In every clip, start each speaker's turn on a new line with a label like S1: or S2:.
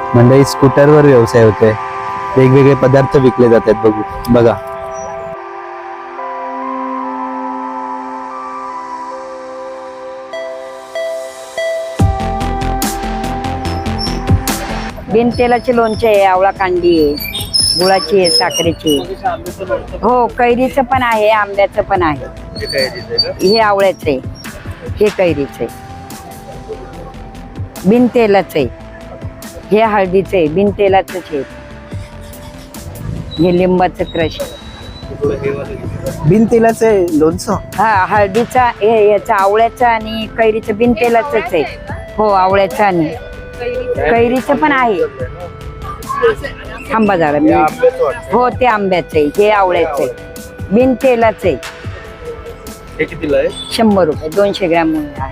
S1: मंडळी स्कूटरवर व्यवसाय होतोय, वेगवेगळे पदार्थ विकले जातात. बघा
S2: बिन तेलाचे लोणचे आहे, आवळा कांडी आहे, गुळाची आहे, साखरेची आहे. हो, कैरीचं पण आहे, आंब्याचं पण आहे. हे आवळ्याचं आहे, हे कैरीचं आहे, बिन तेलाचं आहे. हे हळदीचं आहे, बिन तेलाचंच आहे. हे लिंबाचं क्रश.
S1: बिन तेलाचे लोणचं.
S2: हा, हळदीचा याचा आवळ्याचं आणि कैरीचं बिन तेलाचंच आहे. हो, आवळ्याचं आणि कैरीचं पण आहे. थांबा जरा मी. हो, ते आंब्याचं आहे, हे आवळ्याचं आहे, बिन तेलाचं आहे.
S1: हे कितीला आहे?
S2: 100 रुपये, 200 ग्रॅम आहे.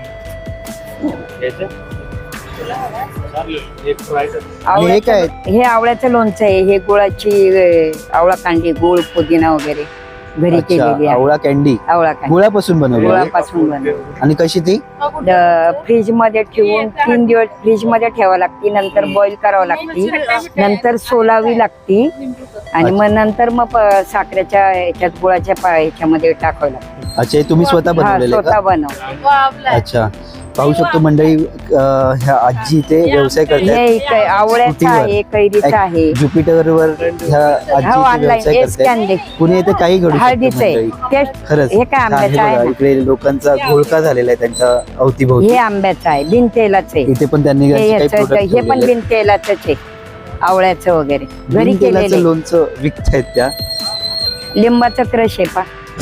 S1: हे काय?
S2: हे आवळ्याचं लोणचं आहे. हे गुळाची आवळा कांडी, गुळ, पुदिना वगैरे घरी केलेली आहे.
S1: आवळा कॅन्डी
S2: आवळा कांडी
S1: गुळापासून बनवली.
S2: गुळापासून बनवली.
S1: आणि कशी ती?
S2: फ्रीज मध्ये ठेवून 3 दिवस फ्रीज मध्ये ठेवावी लागते, नंतर बॉईल करावं लागते, नंतर सोलावी लागते आणि मग नंतर मग साखरेच्या ह्याच्यात गुळाच्या ह्याच्यामध्ये टाकावं लागते.
S1: अच्छा, हे तुम्ही स्वतः बनवलेलं
S2: स्वतः बनव.
S1: अच्छा, पाहू शकतो मंडळी, ह्या आजी इथे व्यवसाय करतात.
S2: हे आवळ्याचं आहे, कैरीचं आहे.
S1: ज्युपिटर वर ह्या आजी व्यवसाय करतात. पुणे इथे काही घडू
S2: हळदीचं आहे.
S1: खरंच.
S2: हे काय आंब्याचं आहे?
S1: इकडे लोकांचा घोळका झालेला आहे त्यांच्या अवतीभोवती.
S2: हे आंब्याचं आहे, बिन तेलाचं आहे.
S1: इथे पण त्यांनी
S2: हे पण बिन तेलाचंच आहे, आवळ्याचं वगैरे घरी केलेलं.
S1: लोणचं विकतायत त्या.
S2: लिंबाचं क्रश आहे पा,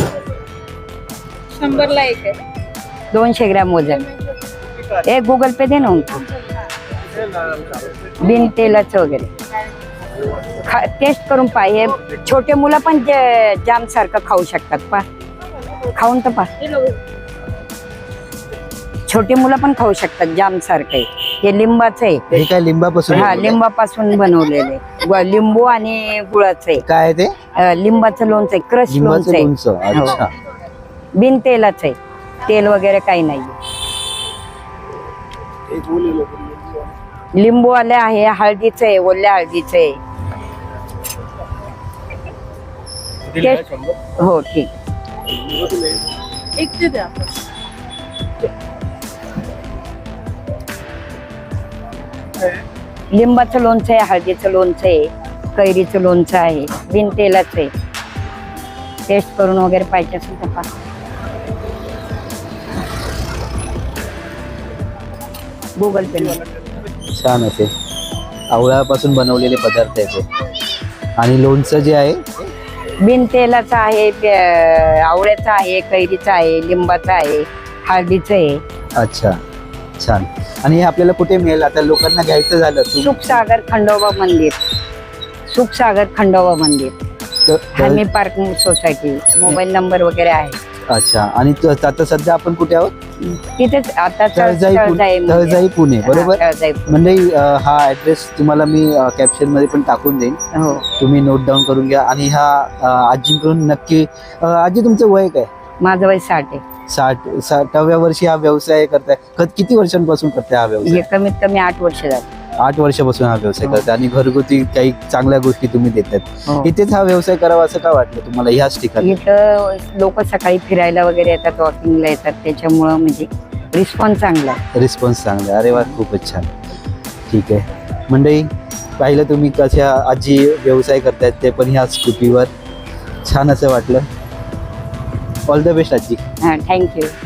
S3: 100 ला एक आहे.
S2: 200 ग्रॅम वजन. एक गुगल पे दे ना उनको. बिन तेलाचं वगैरे टेस्ट करून पा. हे छोटे मुलं पण जाम सारखं खाऊ शकतात पा. खाऊन तर पा, छोटे मुलं पण खाऊ शकतात जाम सारखं. हे लिंबाचं आहे.
S1: हे काय लिंबापासून?
S2: हा, लिंबापासून बनवलेलं आहे. लिंबू आणि गुळाचं आहे.
S1: काय ते?
S2: लिंबाचं लोणचं आहे, क्रश लोणचं आहे.
S1: अच्छा,
S2: बिन तेलाचं आहे, तेल वगैरे काही नाही. लिंबू आले आहे, हळदीचं आहे, ओल्या हळदीचं आहे. हो, ठीक.
S3: एक ते द्या.
S2: लिंबाचं लोणचं आहे, हळदीचं लोणचं आहे, कैरीचं लोणचं आहे, बिन तेलाचं आहे. टेस्ट करून वगैरे पाहिजे असेल तर पहा. Google Pay.
S1: छान असे आवळ्यापासून बनवलेले पदार्थ आहेत. आणि लोणचं जे आहे
S2: बिन तेलाचं आहे, आवळ्याचं आहे, कैरीचं आहे, लिंबाचं आहे, हळदीचं आहे.
S1: अच्छा, छान. आणि हे आपल्याला कुठे मिळेल आता लोकांना घ्यायचं झालं?
S2: सुखसागर खंडोबा मंदिर, सुखसागर खंडोबा मंदिर, हमी पार्क सोसायटी. मोबाईल नंबर वगैरे आहे.
S1: अच्छा, आणि आता सध्या आपण कुठे आहोत?
S2: तिथेच आता
S1: तळजाई पुणे, बरोबर. म्हणजे हा ऍड्रेस तुम्हाला मी कॅप्शन मध्ये पण टाकून देईन.
S2: हो,
S1: तुम्ही नोट डाऊन करून घ्या. आणि हा आजीकडून नक्की. आजी, तुमचं वय काय?
S2: माझं वय 60 आहे.
S1: 60व्या वर्षी हा व्यवसाय करताय. किती वर्षांपासून करताय हा व्यवसाय?
S2: हे कमीत कमी 8 वर्ष झाली.
S1: 8 वर्षापासून हा व्यवसाय करताय आणि घरगुती काही चांगल्या गोष्टी तुम्ही देतात.
S2: हो.
S1: इथेच हा व्यवसाय करावा असं का वाटलं तुम्हाला ह्याच ठिकाणी?
S2: इथं लोक सकाळी फिरायला वगैरे येतात, वॉकिंगला येतात, त्याच्यामुळं म्हणजे रिस्पॉन्स चांगला आहे.
S1: रिस्पॉन्स चांगला आहे. अरे वा, खूपच छान. ठीक आहे मंडळी, पाहिलं तुम्ही कशा आजी व्यवसाय करतायत, ते पण ह्या स्कूटीवर. छान असं वाटलं. ऑल द बेस्ट आजी.
S2: हां, थँक्यू.